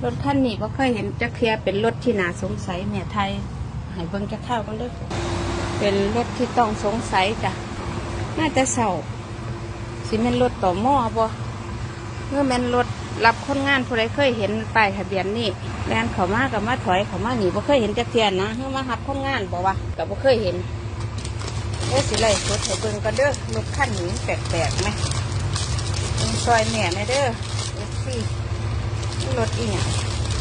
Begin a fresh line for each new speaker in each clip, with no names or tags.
ถคันนี้บ่เคยเห็นจักเทียเป็นรถที่น่าสงสัยแม่ไทยให้เบิ่งจักข้าวกันเด้อเป็นรถที่ต้องสงสัยจ้ะน่าจะเศร้าสิแม่นรถต่อหม้อบ่เมื่อแม่นรถรับคนงานผู้ใดเคยเห็นป้ายทะเบียนนี่แล่นเข้ามากับมาถอยเข้ามาหนีบ่เคยเห็นจักเทียนะเมื่อมารับคนงานบ่วะก็บ่เคยเห็นสิไล่สดให้เบิ่งกันเด้อรถคันนี้แปลกๆไหมซอยแม่แม่เด้อสิรถอีหยัง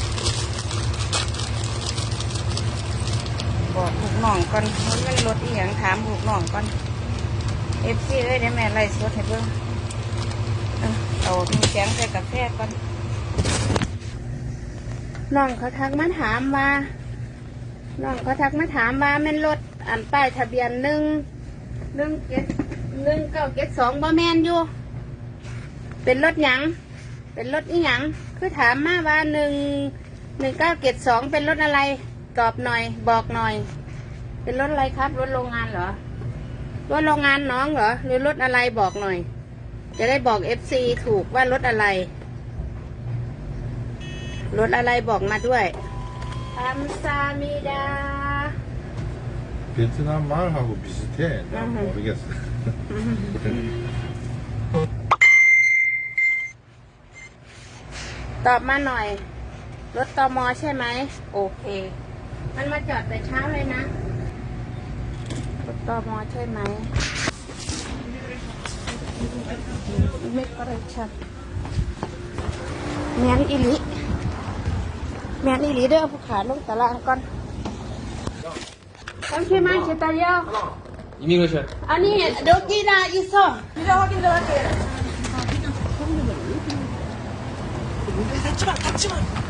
บอกลูกน้องก่อนมันรถอีหยังถามลูกน้องก่อนFCเอ้ยเดี๋ยวแม่ไล่สดให้เบิ่งเอามีแกงใส่กาแฟก่อนน้องเขาทักมาถามว่าแม่นรถอันป้ายทะเบียน1972บ่แม่นอยู่เป็นรถหยังเป็นรถอีหยังคือถามมาว่า1972เป็นรถอะไรตอบหน่อยบอกหน่อยเป็นรถอะไรครับรถโรงงานเหรอรถโรงงานน้องเหรอหรือรถอะไรบอกหน่อยจะได้บอก FC ถูกว่ารถอะไรบอกมาด้วยอัมซามิดา
베트남말하고 비슷해. 난 모르겠어.
ตอบมาหน่อยรถตม.ใช่ไหมโอเคมันมาจอดแต่เช้าเลยนะรถตม.ใช่ไหมไม่ก็เลยชัดแมนอิลิเด้อผู้ขาลงตลาดก่อนต้องช่วยมาเชตายาว
이미그레이션.
아니 여기나 있어
비자 확인 들어갈게. 닫지마.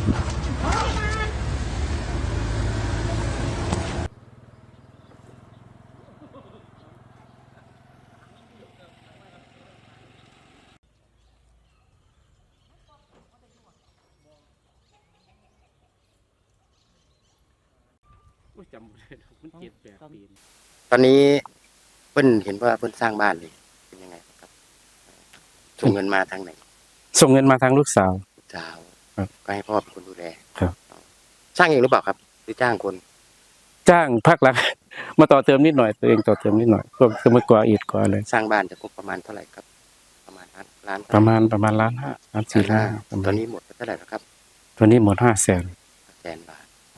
จำไม่ได้มัน7-8 ปี
ตอนนี้เพิ่นเห็นว่าเพิ่นสร้างบ้านเลยเป็นยังไงครับส่งเงินมาทางไหน
ส่งเงินมาทางลูกสาว
สาว
ครับ
ก็ให้พ่อเป็นคนดูแล
ครับ
สร้างเองหรือเปล่าครับหรือจ้างคน
จ้างภาครัฐ มาต่อเติมนิดหน่อยตัวเองต่อเติมนิดหน่อยก็คือมากว่าอิฐกว่าเลย
สร้างบ้านจะครบประมาณเท่าไหร่ครับ ประมาณล้าน
ประมาณ1.5 ล้าน4 ล้าน
ตอนนี้หมดไปเท่าไหร่แล้วครับ
ตัวนี้หมด500,000
100,000 บาท
ครับ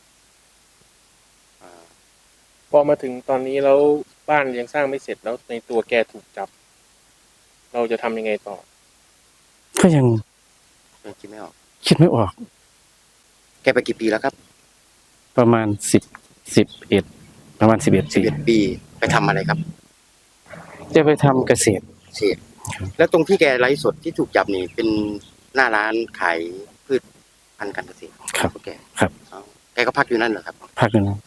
พอมาถึงตอนนี้แล้วบ้านยังสร้างไม่เสร็จแล้วในตัวแกถูกจับ เราจะทำยังไงต่อ
ก็ยัง
คิดไม่ออก
คิดไม่ออก
แกไปกี่ปีแล้วครับ
ประมาณ11ประมาณ11 ปี
11 ปีไปทำอะไรครับ
จะไปทำเกษตร
เศษแล้วตรงที่แกไลฟ์สดที่ถูกจับนี่เป็นหน้าร้านขายพืชพันธุ์การเกษตร
ครับ
ของแก
ครับ
อ๋อแกก็พักอยู่นั่นเหรอครับ
ภาคนึง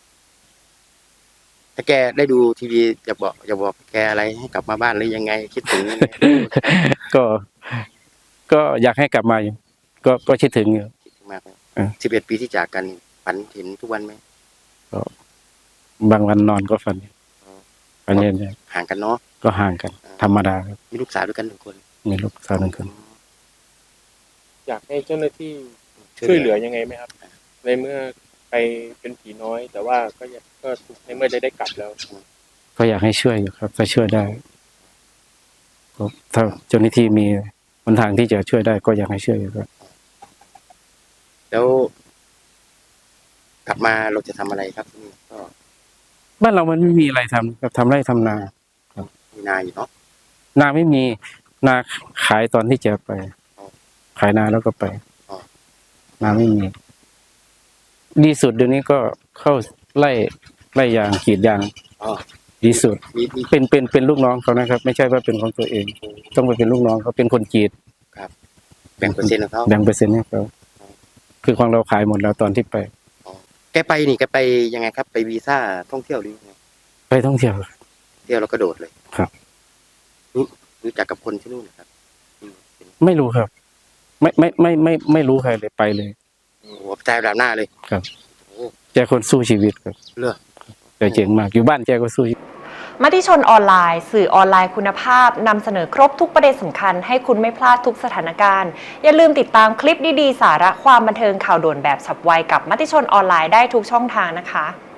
ถ้าแกได้ดูทีวีจะบอกแกอะไรให้กลับมาบ้านหรือยังไงคิดถึงยังไง
ก็อยากให้กลับมาอยู่ก็คิดถึงอยู่
คิดถึงมากเลย
อ่า
11 ปีที่จากกันฝันเห็นทุกวันไหม
บางวันนอนก็ฝันฝันเย็น
ห่างกันเนาะ
ก็ห่างกัน ธรรมดาครับ
มีลูกสาวด้วยกัน1 คน
มีลูกสาว1 คน
อยากให้เจ้าหน้าที่ช่วยเหลือยังไงไหมครับ ในเมื่อไปเป็นผีน้อย แต่ว่าก็ในเมื่อได้กลับแล้ว
ก็อยากให้ช่วยอยู่ครับถ้าช่วยได้ก็ถ้าเจ้าหน้าที่มีหนทางที่จะช่วยได้ก็อยากให้ช่วยอยู่ครับ
แล้ว กลับมาเราจะทำอะไรครับที่นี่ก็
บ้านเรามันไม่มีอะไรทำครับทำไร่ทำนา
มีนาอยู่เนาะ
นาไม่มีนาขายตอนที่จะไป ขายนาแล้วก็ไปนาไม่มีดีสุดเดี๋ยวนี้ก็เข้าไล่ยางกรีดยาง
อ๋อ
ดีสุด
มี
เป็นลูกน้องเขานะครับ ไม่ใช่ว่าเป็นของตัวเอง ต้องไปเป็นลูกน้องเขาเป็นคนกรีด
แบ่งเปอร์เซ็นต์ของเขา
แบ่งเปอร์เซ็นต์ให้เขาคือของเราขายหมดแล้วตอนที่ไป
แกไปยังไงครับ ไปวีซ่าท่องเที่ยวหรือยังไง
ไปท่องเที่ยว
เที่ยวแล้วก็โดดเลย
ครับ
รู้จักกับคนที่นู่นนะครับ
ไม่รู้ครับ ไม่รู้ใครเลยไปเลย
โอ้โหใจแบบหน้าเลย
ครับแกคนสู้ชีวิตครับ
เลือก
แกเจ๋งมากอยู่บ้านแกก็สู้ชีวิต
มติชนออนไลน์สื่อออนไลน์คุณภาพนำเสนอครบทุกประเด็นสำคัญให้คุณไม่พลาดทุกสถานการณ์อย่าลืมติดตามคลิปดีๆสาระความบันเทิงข่าวด่วนแบบฉับไวกับมติชนออนไลน์ได้ทุกช่องทางนะคะ